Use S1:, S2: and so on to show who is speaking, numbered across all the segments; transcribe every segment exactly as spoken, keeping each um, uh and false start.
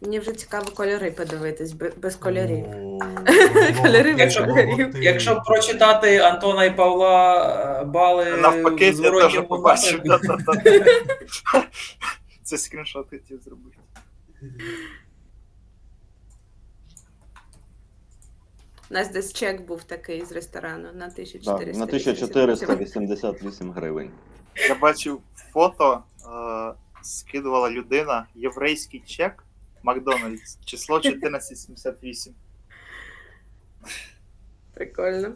S1: Мені вже цікаво кольори подивитись, бе- без кольорів.
S2: О,
S1: Кольори без
S3: Якщо-
S1: кольорів.
S3: Якщо прочитати Антона і Павла е, бали
S4: Навпаки,
S3: в
S4: я теж
S3: зворотньому
S4: побачив.
S3: напрямку,
S4: Та-та-та. Це скріншот хотів зробити.
S1: У нас десь чек був такий з ресторану на
S5: Да,
S1: тисячу чотириста
S5: на тисячу чотириста вісімдесят вісім гривень.
S4: Я бачив фото, е, скидувала людина, єврейський чек, Макдональдс, число чотирнадцять сімдесят вісім.
S1: Прикольно.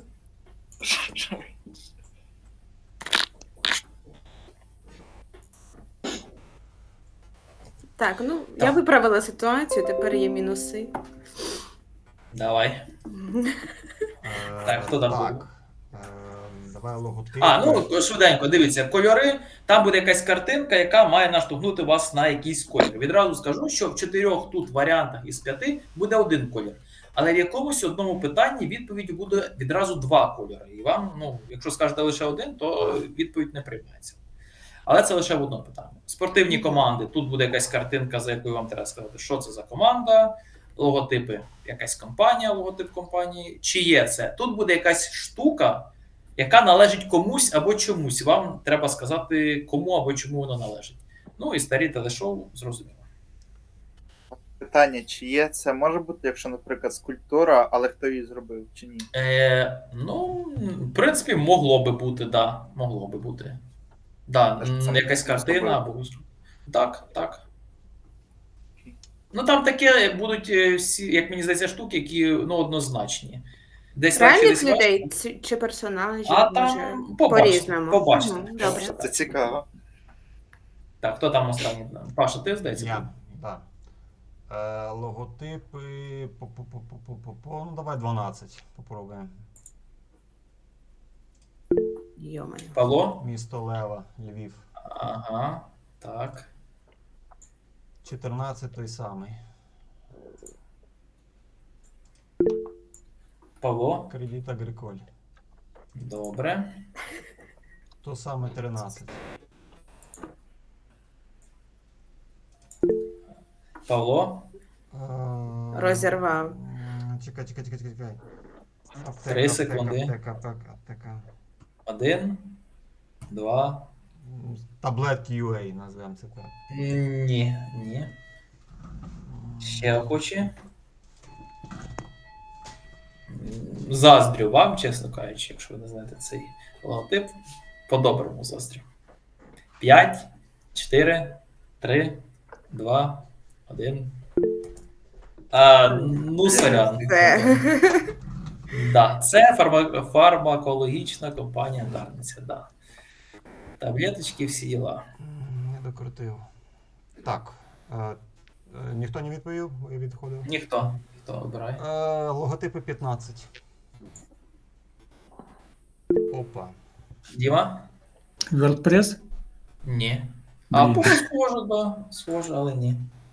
S1: Так, ну я
S3: Так.
S1: виправила ситуацію, тепер є мінуси.
S3: давай.
S2: Е,
S3: Так, хто там
S2: Так.
S3: був?
S2: Е, Давай логотип.
S3: А, ну швиденько, дивіться, кольори, там буде якась картинка, яка має наштовхнути вас на якийсь колір. Відразу скажу, що в чотирьох тут варіантах із п'яти буде один колір. Але в якомусь одному питанні відповідь буде відразу два кольори. І вам, ну, якщо скажете лише один, то відповідь не приймається. Але це лише в одному питанні. Спортивні команди, тут буде якась картинка, за якою вам треба сказати, що це за команда, логотипи, якась компанія, логотип компанії. Чи є це? Тут буде якась штука, яка належить комусь або чомусь. Вам треба сказати, кому або чому воно належить. Ну і старі телешоу, зрозуміло.
S4: Питання, чи є це може бути, якщо, наприклад, скульптура, але хто її зробив, чи ні?
S3: Е, ну, в принципі, могло би бути, да. Могло би бути. Да,
S4: Те, що
S3: м,
S4: сам
S3: якась
S4: хтось
S3: картина
S4: зробив.
S3: або. Так, так. Ну там таке будуть е, всі, як мені здається, штуки, які ну, однозначні. Десь легше,
S1: Реальних
S3: десь важче.
S1: людей ці- чи персонажів,
S3: А
S1: може,
S3: там побачите,
S1: по-різному.
S3: побачите.
S1: Мгм, добре.
S4: Це цікаво.
S3: Так, хто там останній? Паша, ти здається?
S2: Я, да. Е, логотипи. По-по-по-по-по-по. Ну, давай дванадцять. Попробуємо.
S1: Йо-моє.
S3: Павло?
S2: Місто Лева, Львів.
S3: Ага, так.
S2: чотирнадцять той самий.
S3: Павло?
S2: Кредит Агриколь.
S3: Добре.
S2: То саме тринадцять.
S3: Павло?
S2: Е,
S1: Розірвав.
S2: м, Чекай, чекай, чекай, чекай. Аптека,
S3: Три
S2: аптека,
S3: секунди.
S2: Аптека, аптека, аптека.
S3: Один, два.
S2: М, Таблетки ю ей, назвемо це так.
S3: Ні, ні. Ще охочі. М, Заздрю вам, чесно кажучи, якщо ви не знаєте цей логотип. По-доброму заздрю. П'ять, чотири, три, два, один. А, ну, сорян.
S1: Це.
S3: Да, це фарма... фармакологічна компанія Дарниця, да. Таблеточки, всі діла.
S2: М, Не докрутив. Так. Е, е, ніхто не відповів? Ви відходив?
S3: Ніхто. Хто обирає?
S2: Е, логотипи п'ятнадцять. Опа.
S3: Діма?
S6: WordPress?
S3: Ні. А
S6: Блін.
S3: поки схоже, да. Схоже, але ні.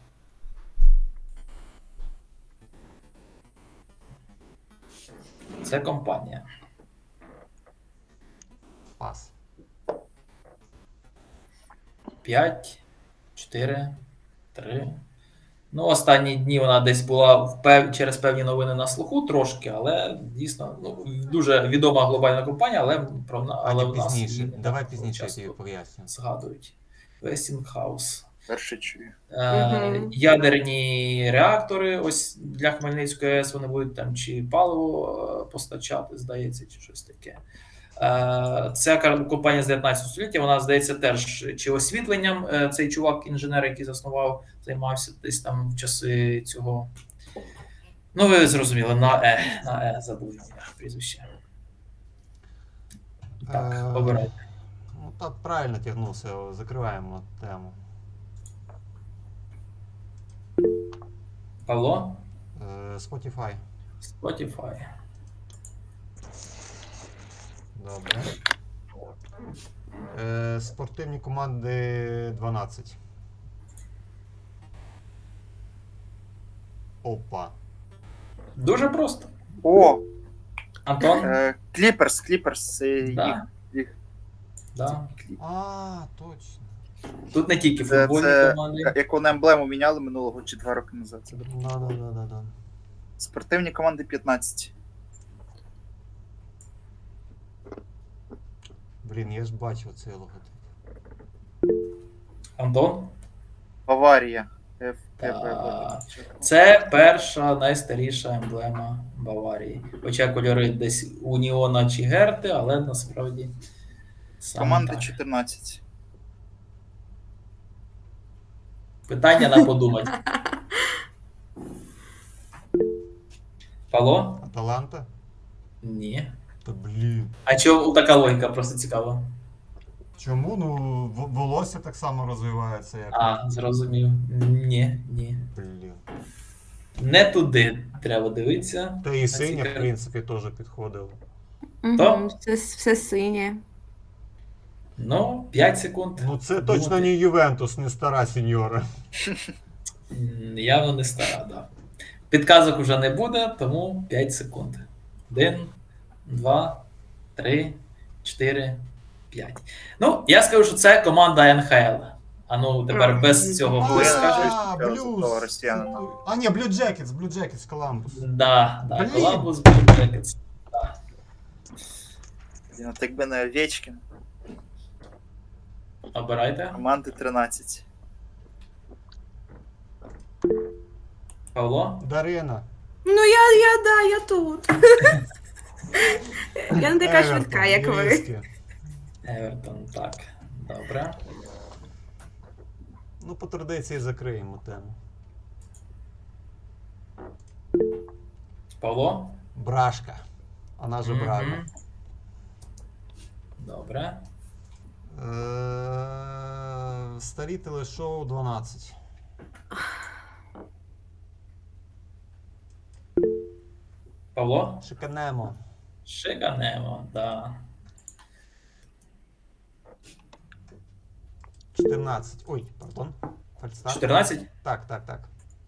S3: Це компанія.
S2: Пас.
S3: П'ять, чотири, три. Ну, останні дні вона десь була в пев... через певні новини на слуху трошки, але дійсно ну, дуже відома глобальна компанія, але про але
S2: Але
S3: в нас
S2: пізніше.
S3: її не
S2: Давай
S3: так
S2: пізніше я
S3: часто
S2: тобі поясню.
S3: згадують. Westinghouse.
S4: Перше чую.
S3: Е,
S1: Мгм.
S3: Ядерні реактори, ось для Хмельницької АЕС вони будуть там чи паливо е, постачати, здається, чи щось таке. Е, Ця кар- компанія з дев'ятнадцятого століття, вона, здається, теж чи освітленням, е, цей чувак, інженер, який заснував, займався десь там в часи цього. Ну, ви зрозуміли, на Е, на Е забув я прізвище. Так,
S2: Е,
S3: обирайте.
S2: Ну так, правильно тягнувся. Закриваємо тему.
S3: Павло?
S2: Е, Spotify.
S3: Spotify.
S2: Добре. Е, спортивні команди дванадцять. Опа.
S3: Дуже просто.
S4: О,
S3: Антон?
S4: е, Кліперс, Кліперс, це їх.
S3: Да.
S4: їх
S3: Да.
S4: кліп.
S2: А, точно.
S3: Тут не тільки
S4: Це,
S3: футбольні
S4: це
S3: команди.
S4: яку на емблему міняли минулого чи два роки назад. Це
S2: Да, да, да, да, да.
S4: спортивні команди п'ятнадцять.
S2: Блін, я ж бачив цей логотип.
S3: Антон?
S4: Баварія. Ф,
S3: Так.
S4: ФБ.
S3: Це перша найстаріша емблема Баварії. Хоча кольори десь Уніона чи Герти, але насправді саме
S4: Команди
S3: так.
S4: чотирнадцять.
S3: Питання на подумати. Павло?
S2: Аталанта?
S3: Ні.
S2: Та блін.
S3: А чому така логіка? Просто цікаво.
S2: Чому? Ну, в- волосся так само розвивається, як.
S3: А, зрозумів. Ні, ні.
S2: Блін.
S3: Не туди треба дивитися.
S2: Та і синя, в
S3: Цікаво.
S2: принципі, теж підходило.
S3: То?
S1: Угу, все, все синє.
S3: Ну, п'ять секунд.
S2: Ну, це
S3: Подумати.
S2: точно не Ювентус, не стара сеньора.
S3: М, Явно не стара, да. Підказок вже не буде, тому п'ять секунд. Один, два, три, чотири, п'ять. Ну, я скажу, що це команда ен ха ел. А ну, тепер
S1: Мгм.
S3: без цього
S4: Ну,
S3: ви
S4: я
S3: скажете.
S4: скажу.
S2: А,
S4: Золотого
S2: блюз.
S4: росіянина.
S2: А, ні, Blue Jackets, Blue Jackets, Коламбус.
S3: Да, да,
S2: Блін.
S3: Columbus Blue Jackets.
S4: Блін, от якби не Овечкін.
S3: Обирайте.
S4: Команди тринадцять.
S3: Павло?
S2: Дарина.
S1: Ну я, я, да, я тут. Я не така
S2: Евертон,
S1: швидка, як ви.
S2: Львівське.
S3: Евертон, так. Добре.
S2: Ну, по традиції закриємо тему.
S3: Павло?
S2: Брашка. Вона же Брага.
S3: Мгм. Добре.
S2: Е, Старі телешоу дванадцять.
S3: Павло?
S2: Шиканемо.
S3: Шиканемо, да.
S2: чотирнадцять. Ой, пардон. Фальстарт.
S3: чотирнадцять?
S2: Так, так, так.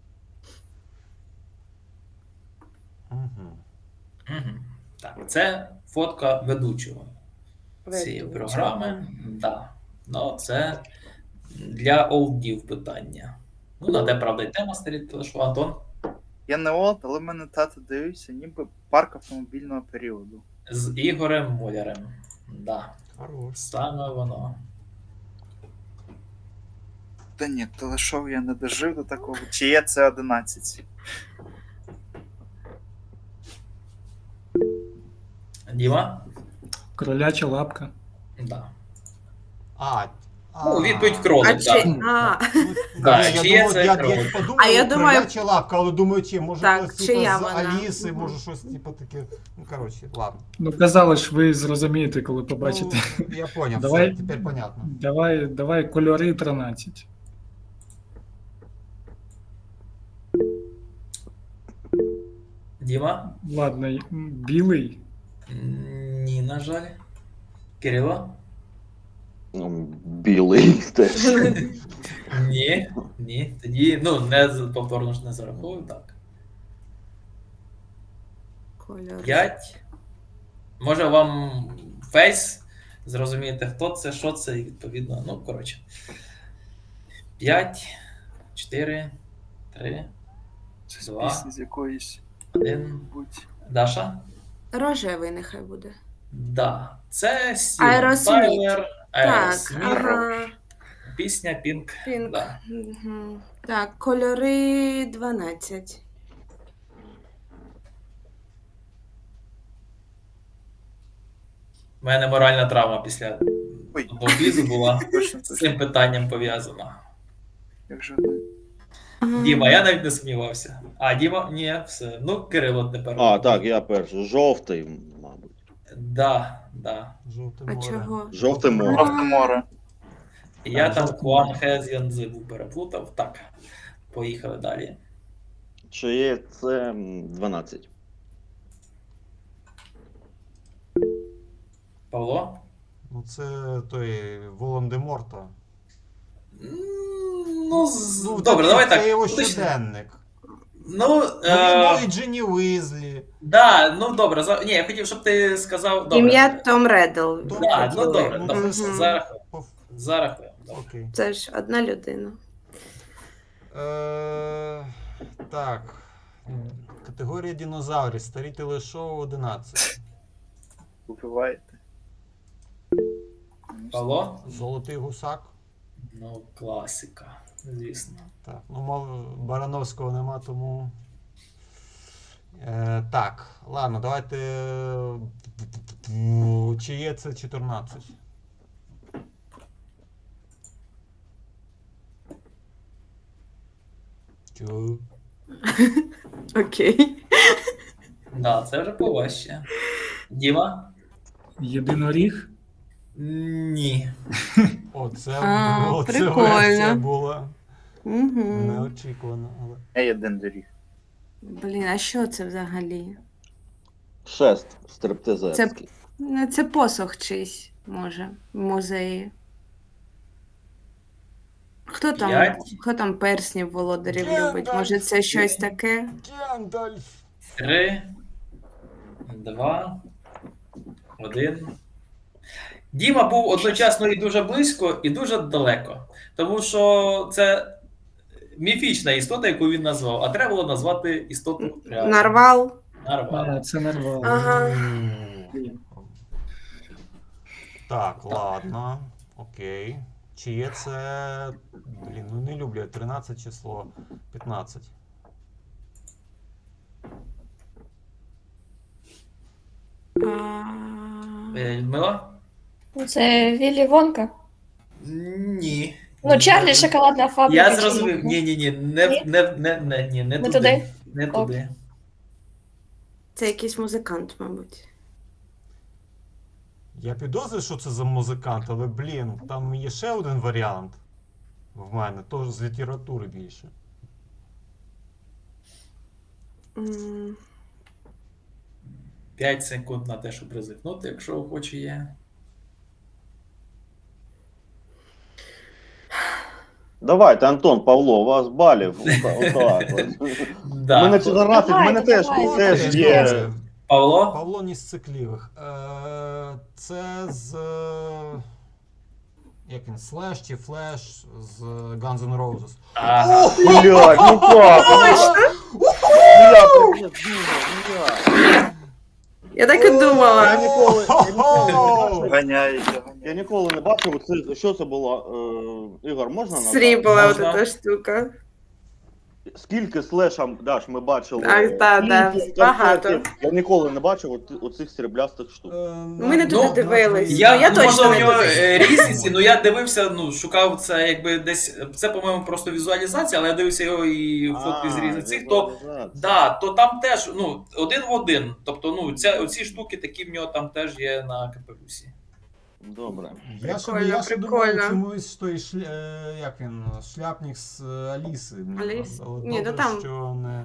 S2: Угу.
S3: Угу. Так, це фотка ведучого цієї
S1: Ведучого.
S3: програми. Да. Ну, це для олдів питання. Ну, на те, правда, і тема старі телешоу. Антон?
S4: Я не олд, але в мене тато дивився, ніби парк автомобільного періоду.
S3: З Ігорем Молярем. Да.
S2: Хорош.
S3: Саме воно.
S4: Та ні, телешоу я не дожив до такого. Чи є це одинадцять?
S3: Діма?
S6: Кроляча лапка.
S3: Да.
S2: А,
S3: Ну,
S2: а.
S3: відповідь кролик,
S1: А чи...
S3: так.
S1: А,
S2: Ну,
S3: Да,
S2: ні, я
S3: чи є
S2: думав,
S3: це
S2: я, я,
S3: кролик?
S2: подумав,
S1: А я думаю-
S2: кроляча лапка, але думаю, чи, може
S1: Так,
S2: хтось
S1: чия
S2: типу, з
S1: вона?
S2: Аліси,
S1: Мгм.
S2: може щось типу таке. Ну, коротше, ладно.
S6: Ну, казали ж, ви зрозумієте, коли побачите.
S2: Ну, я поняв,
S6: Давай.
S2: все, тепер понятно.
S6: Давай, давай кольори тринадцять.
S3: Діма?
S6: Ладно, м, білий.
S3: М, Ні, на жаль. Кирило?
S5: Ну, білий теж.
S3: Ні, ні. Тоді, ну, не з- повторно ж не зараховую, так.
S1: кольор.
S3: П'ять. Може вам фейс зрозумієте, хто це, що це, і відповідно. Ну, коротше. П'ять, чотири, три,
S4: Це з
S3: Два.
S4: пісні з якоїсь.
S3: один.
S4: Будь.
S3: Даша?
S1: Рожевий нехай буде.
S3: Да. Це Стівен
S1: Аеросміт.
S3: Тайлер,
S1: Так,
S3: Аеросміт,
S1: ага.
S3: пісня Пінк.
S1: Пінк.
S3: Да.
S1: Мгм. Так, кольори дванадцять.
S3: У мене моральна травма після
S4: Ой.
S3: одного візу була
S4: Точно,
S3: з
S4: точно.
S3: цим питанням пов'язана.
S4: Як же одна.
S3: Діма, я навіть не сумнівався. А, Діма, ні, все. Ну, Кирило тепер.
S5: А, так, я перший. Жовтий, мабуть.
S3: Да, да.
S2: Жовте
S1: А
S2: море.
S1: чого?
S5: Жовте море.
S4: Жовте море.
S3: Я
S5: А,
S3: там
S5: жовтий.
S3: Хуан Хез'янзи був переплутав. Так, поїхали далі.
S5: Чи є це м, дванадцять?
S3: Павло?
S2: Ну, це той Волан-де-Морта.
S3: М, Ну, з-
S2: Ну,
S3: добре,
S2: це,
S3: давай
S2: це
S3: так.
S2: його
S3: уточнимо.
S2: щоденник.
S3: Ну,
S2: Ну,
S3: е,
S2: він і Джинні Уізлі.
S3: да, ну добре. За... Ні, я хотів, щоб ти сказав. Добре.
S1: Ім'я Том Реддл.
S2: Том
S3: Да,
S2: Реддл.
S3: ну добре,
S2: Ну,
S3: добре.
S2: це
S1: Мгм.
S3: Зарахуємо.
S2: По-
S3: Зарахуємо.
S2: Окей.
S1: Це ж одна людина.
S2: Е, так. Категорія динозаврів. Старі телешоу одинадцять.
S4: Убиваєте.
S3: Павло?
S2: Золотий гусак.
S3: Ну, класика, звісно.
S2: Так, ну, мов Барановського нема, тому. Е, так, ладно, давайте. Чи є це чотирнадцять? Чу.
S1: Окей.
S3: Да, це вже поважче. Діма?
S6: Єдиноріг.
S3: Ні.
S2: Оце,
S1: А,
S2: оце
S1: прикольно.
S2: версія була
S1: Угу.
S2: неочікувана. Але...
S4: Я один доріг.
S1: Блін, а що це взагалі?
S5: Шест стриптизерський.
S1: Ну, це посох чийсь, може, в музеї. Хто там,
S3: П'ять.
S1: хто там перснів володарів
S2: Гендальф.
S1: любить? Може, це щось таке?
S2: Гендальф!
S3: Три, два, один. Діма був одночасно і дуже близько, і дуже далеко. Тому що це міфічна істота, яку він назвав, а треба було назвати істоту реальну.
S1: Нарвал?
S3: Нарвал.
S6: А, це нарвало.
S1: Ага.
S6: Блін.
S2: Так, ладно. Окей. Чи є це. Блін, ну не люблю я тринадцять число. п'ятнадцять.
S1: А,
S3: Е, Людмила?
S7: Це Віллі Вонка.
S3: Ні.
S7: Ну, Чарлі, шоколадна фабрика.
S3: Я
S7: чи
S3: зрозумів. Ні, ні, ні, не,
S7: Ні?
S3: не, не, не, ні, не
S7: Не
S3: туди.
S7: туди?
S3: Не
S7: Ок.
S3: туди.
S1: Це якийсь музикант, мабуть.
S2: Я підозрюю, що це за музикант, але блін, там є ще один варіант. В мене, теж з літератури більше.
S1: М,
S3: П'ять секунд на те, щоб ризикнути, якщо охоче є.
S5: Давайте, Антон, Павло, у вас балів. Ота- Отак. от.
S3: Да.
S5: У мене чотирнадцять, в мене
S7: Давайте,
S5: теж,
S7: давайте.
S5: теж є.
S2: Добре.
S3: Павло?
S2: Павло ні з цикливих. Е, це з. е, Як він? Слеш чи Флеш з Guns N' Roses.
S3: Ага.
S5: Блядь, ну как? Я так не думав, блядь.
S1: Я так і
S5: Я
S1: думала.
S5: ніколи, я ніколи,
S4: Ганяєте,
S5: я
S4: ганяєте.
S5: ніколи не бачив, це, що це було, е, Ігор, можна назвати?
S1: Срібла
S3: Можна.
S1: ота штука.
S5: Скільки слешам, Даш, ми бачили?
S1: Так, так, так,
S5: фільмів,
S1: багато.
S5: концертів. Я ніколи не бачив от, оцих сріблястих штук.
S1: Ми не туди
S3: Ну,
S1: дивились.
S3: Я,
S1: Ну, я
S3: ну,
S1: точно
S3: можливо,
S1: не
S3: в нього
S1: дивилась.
S3: е, різниці, ну я дивився, ну, шукав це якби десь. Це, по-моєму, просто візуалізація, але я дивився його і фотки з різних цих, то.
S5: візуалізація.
S3: Да, то там теж ну, один в один. Тобто, ну, ця, оці штуки такі в нього там теж є на капелюсі.
S5: Добре.
S2: Я ще,
S1: Прикольно,
S2: я ще
S1: прикольно.
S2: думав чомусь той шля... е, як він, шляпник з е, Аліси. Мені
S1: Аліс?
S2: але
S1: Ні,
S2: добре,
S1: ну там-
S2: що не...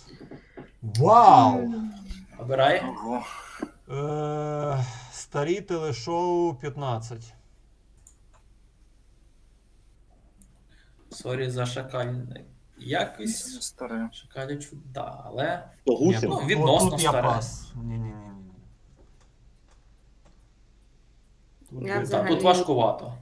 S2: Вау!
S3: Обирай.
S4: Ого.
S2: Е, старі телешоу п'ятнадцять.
S3: Сорі за шакальне. Якось
S4: Старе.
S3: шакалячу, да, але.
S5: То
S2: Ні,
S5: гусін?
S3: ну,
S2: тут-
S3: відносно
S2: тут я
S3: старе.
S2: пас. Ні-ні-ні. Тут
S1: Я
S2: я-
S3: Так,
S1: взагалі-
S3: тут важкувато.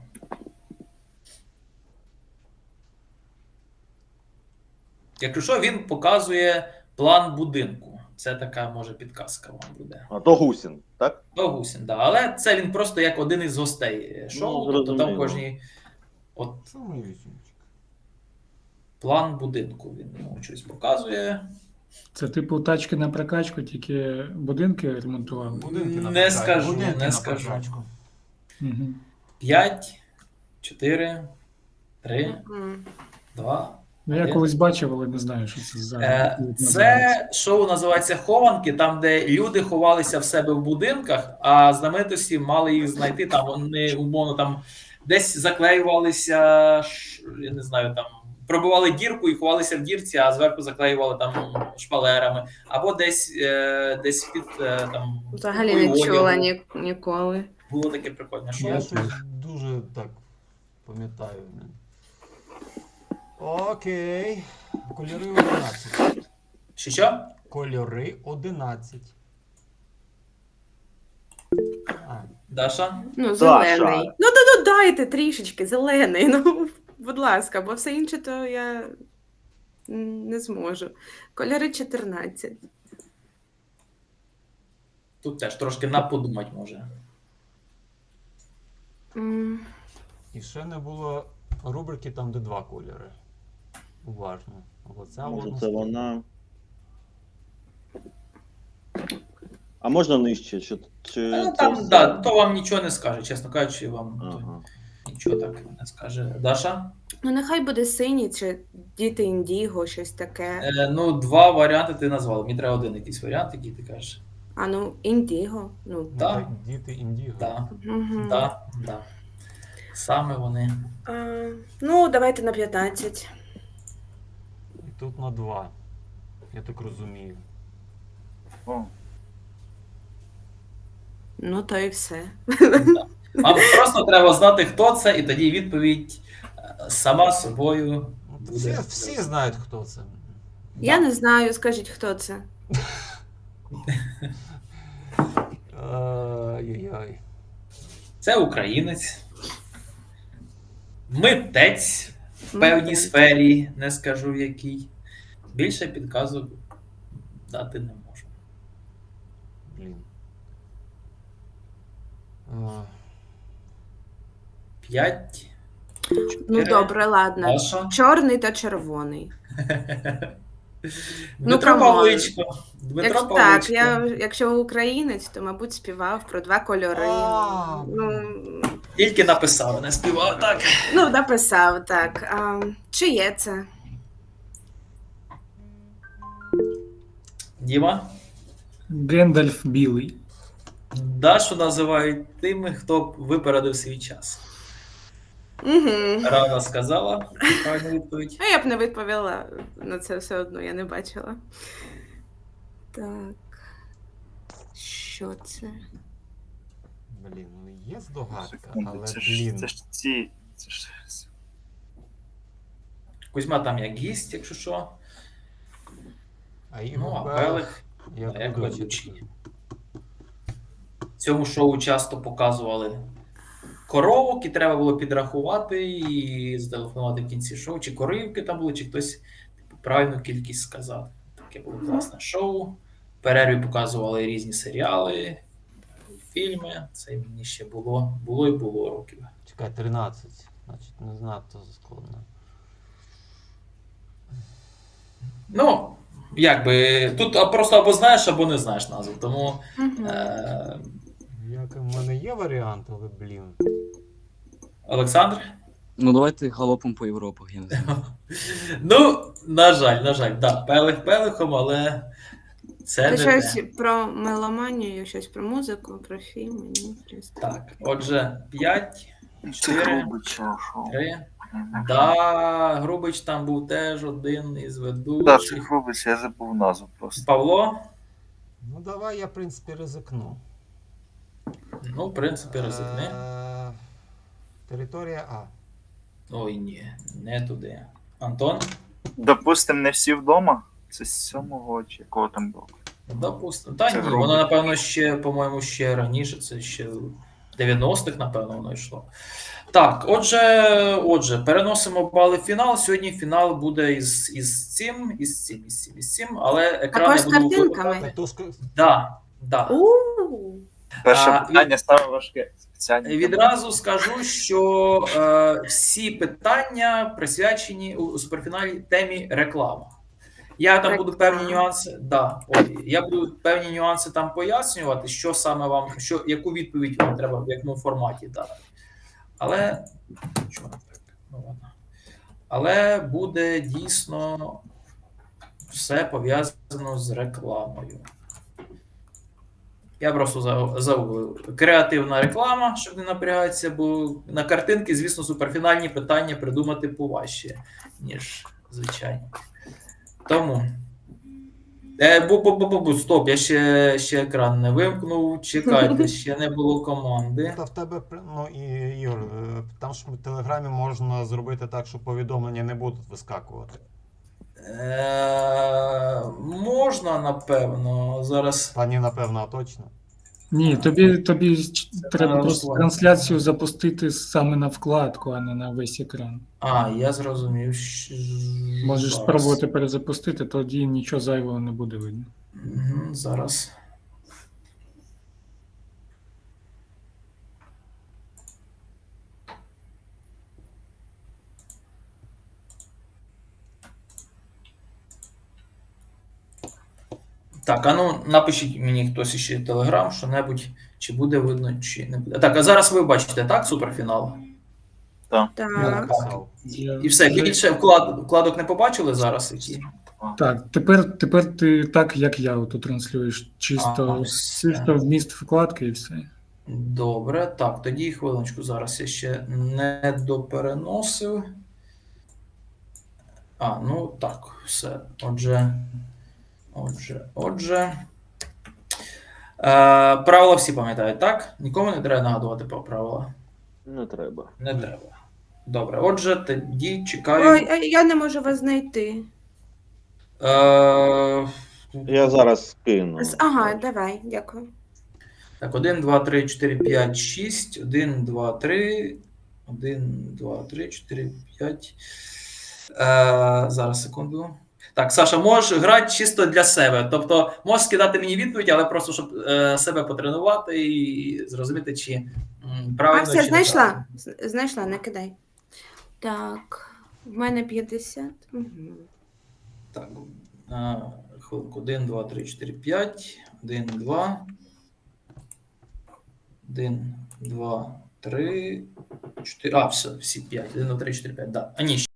S3: Якщо що, він показує план будинку. Це така, може, підказка вам буде.
S5: А то гусін, так?
S3: До Гусін, да. Але це він просто як один із гостей шоу.
S5: Ну,
S3: тобто там
S5: зрозуміло.
S3: кожній от
S2: Що мій вісімчик?
S3: план будинку він йому щось показує.
S6: Це типу тачки на прокачку, тільки будинки ремонтували.
S2: Будинки на
S3: Не
S2: прокачку,
S3: скажу,
S2: будинки
S3: не
S2: на
S3: скажу.
S2: прокачку.
S6: Угу.
S3: П'ять, чотири, три,
S1: М.
S3: два.
S6: Ну, я колись бачив, але не знаю, що це за.
S3: Е,
S6: називається.
S3: Це шоу називається Хованки, там, де люди ховалися в себе в будинках, а знаменитості мали їх знайти. Там вони умовно там десь заклеювалися, ш- я не знаю, там пробивали дірку і ховалися в дірці, а зверху заклеювали там шпалерами, або десь е, десь під е, там
S1: Взагалі
S3: купою
S1: не чула
S3: одягу.
S1: ні, ніколи.
S3: Було таке прикольне шоу.
S2: Я щось дуже так пам'ятаю. Окей. Кольори одинадцять.
S3: Що що?
S2: Кольори одинадцять. А,
S3: Даша?
S1: Ну,
S4: Даша.
S1: зелений. Ну, то ну, дайте трішечки, зелений. Ну, будь ласка, бо все інше то я м, не зможу. Кольори чотирнадцять.
S3: Тут теж трошки наподумать може.
S1: М,
S2: І ще не було рубрики там, де два кольори. Уважно. Оця
S5: Може,
S2: одна
S5: це
S2: сторона.
S5: вона. А можна нижче? Чи, чи
S3: Ну,
S5: це
S3: там,
S5: все?
S3: да, то вам нічого не скаже, чесно кажучи, вам то
S5: Ага.
S3: нічого так не скаже. Даша?
S1: Ну, нехай буде синій чи діти індіго, щось таке.
S3: Е, ну, два варіанти ти назвала. Мені треба один якийсь варіант, який ти кажеш.
S1: А ну, індіго. Ну,
S2: Ну,
S3: Так.
S2: та Діти індіго.
S3: Так,
S1: угу.
S3: так, так. Саме вони.
S1: А, ну, давайте на п'ятнадцять.
S2: І тут на два. Я так розумію.
S4: О,
S1: Ну, то і все.
S3: Вам просто треба знати, хто це, і тоді відповідь е, сама собою
S2: Ну,
S3: буде.
S2: Всі, всі знають, хто це.
S1: Я не знаю, скажіть, хто це.
S2: Ай-яй-яй.
S3: Це українець, митець в певній
S1: Митець.
S3: сфері, не скажу в якій. Більше підказок дати не можу.
S2: Блін. А,
S3: П'ять.
S1: Ну, добре, ладно.
S3: Даша.
S1: Чорний та червоний.
S3: Дмитро
S1: камон.
S3: Павличко. Дмитро
S1: Якщо,
S3: Павличко.
S1: так, я, якщо українець, то, мабуть, співав про два кольори.
S2: А,
S1: Ну,
S3: Тільки написав, не співав, так.
S1: ну, написав, так. А, чи є це?
S3: Діма.
S6: Гендальф білий.
S3: Дашу називають тими, хто випередив свій час.
S1: Угу.
S3: Рана сказала правильну відповідь.
S1: А я б не відповіла на це все одно, я не бачила. Так. Що це?
S2: блін, ну є здогадка,
S4: секунду,
S2: але
S4: це ж,
S2: блін.
S4: це ж ці. Це ж...
S3: Кузьма там як гість, якщо що.
S2: А
S3: Ну,
S2: Ігор
S3: а
S2: Белих,
S3: Белих
S2: як
S3: як
S2: ведучий.
S3: ведучий. В цьому шоу часто показували коровок, і треба було підрахувати і зателефонувати в кінці шоу, чи коривки там були, чи хтось типу, правильну кількість сказав. Таке було класне шоу. В перерві показували різні серіали, фільми. Це мені ще було, було і було років.
S2: Чекай, тринадцять. Значить, не знато складно.
S3: Ну, якби, тут а, просто або знаєш, або не знаєш назву. Тому
S1: Угу.
S3: е-
S2: Як в мене є варіант, але блін.
S3: Олександр?
S8: Ну, давайте галопом по Європах, я не знаю.
S3: Ну, на жаль, на жаль, да, пелих пелихом, але це
S1: Це
S3: не
S1: щось
S3: те.
S1: про меломанію, щось про музику, про фільми, ні? Щось таке.
S3: Так, отже, п'ять,
S4: Це
S3: чотири,
S4: грубий шоу.
S3: три. Да, Грубич там був теж один із
S4: Да, це
S3: ведучих.
S4: грубий, я забув назву просто.
S3: Павло?
S2: Ну давай я, в принципі, ризикну.
S3: Ну, в принципі, ризикни.
S2: Е, Територія А.
S3: Ой, ні, не туди. Антон?
S4: Допустим, не всі вдома. Це з сьомого чи якого там було.
S3: Допустимо. Та
S4: Це
S3: ні,
S4: Грубич.
S3: воно, напевно, ще, по-моєму, ще раніше, це ще в дев'яностих, напевно, воно йшло. Так, отже, отже, переносимо бали в фінал. Сьогодні фінал буде із, із цим, із цим, із цим, із цим, але екран
S1: Також
S3: я
S1: з
S3: буду
S1: картинками.
S3: виводити.
S2: Катушка.
S3: Да, да.
S1: У,
S4: Перше
S3: А,
S4: питання саме важке. Спеціальні.
S3: Відразу скажу, що е, всі питання присвячені у суперфіналі темі реклама. Я там буду певні
S1: Реклама.
S3: нюанси. Да, ой, я буду певні нюанси там пояснювати, що саме вам, що, яку відповідь вам треба в якому форматі дати. Але чому так? Ну, ладно. Але буде дійсно все пов'язано з рекламою. Я просто за- загуглив. Креативна реклама, щоб не напрягатися, бо на картинки, звісно, суперфінальні питання придумати поважче, ніж звичайні. Тому. Е, бу, бу, бу, бу, бу, стоп, я ще, ще екран не вимкнув. Чекайте, ще не було команди.
S2: Та в тебе, при- ну і Ігор, е, там ж в Телеграмі можна зробити так, що повідомлення не будуть вискакувати.
S3: Е, можна, напевно, зараз.
S2: Та ні, напевно, а точно.
S6: Ні, тобі, тобі ч- треба просто
S3: налаштування.
S6: трансляцію запустити саме на вкладку, а не на весь екран.
S3: А, я зрозумів. Щ-
S6: Можеш
S3: зараз.
S6: спробувати перезапустити, тоді нічого зайвого не буде видно.
S3: Мгм, зараз. Так, а ну напишіть мені хтось ще телеграм, що-небудь, чи буде видно, чи не буде. Так, а зараз ви бачите, так, суперфінал?
S1: Так.
S2: Написав.
S6: Я
S3: І все,
S6: вже-
S3: більше вклад, вкладок не побачили зараз, які?
S6: Так, тепер, тепер ти так, як я ото транслюєш, чисто,
S3: Ага, все.
S6: чисто вміст вкладки і все.
S3: Добре, так, тоді хвилиночку, зараз я ще не допереносив. А, ну так, все. Отже, отже, отже. Е, правила всі пам'ятають, так? Нікому не треба нагадувати про правила?
S5: Не треба.
S3: Не треба. Добре, отже, тоді чекаю.
S1: Ой, а я не можу вас знайти.
S3: Е,
S5: Я зараз скину.
S1: З- Ага, давай, дякую.
S3: Так, один, два, три, чотири, п'ять, шість. один, два, три. один, два, три, чотири, п'ять. Е, зараз, секунду. Так, Саша, можеш грати чисто для себе. Тобто, можеш скидати мені відповідь, але просто щоб е, себе потренувати і зрозуміти, чи м, правильно,
S1: А, все,
S3: чи
S1: знайшла.
S3: неправильно.
S1: З- Знайшла, не кидай. Так, в мене п'ятдесят. Угу.
S3: Так, е, хвилинку. один, два, три, чотири, п'ять. один, два. один, два, три, чотири. А, все, всі п'ять. один, два, три, чотири, п'ять. Да. А ні,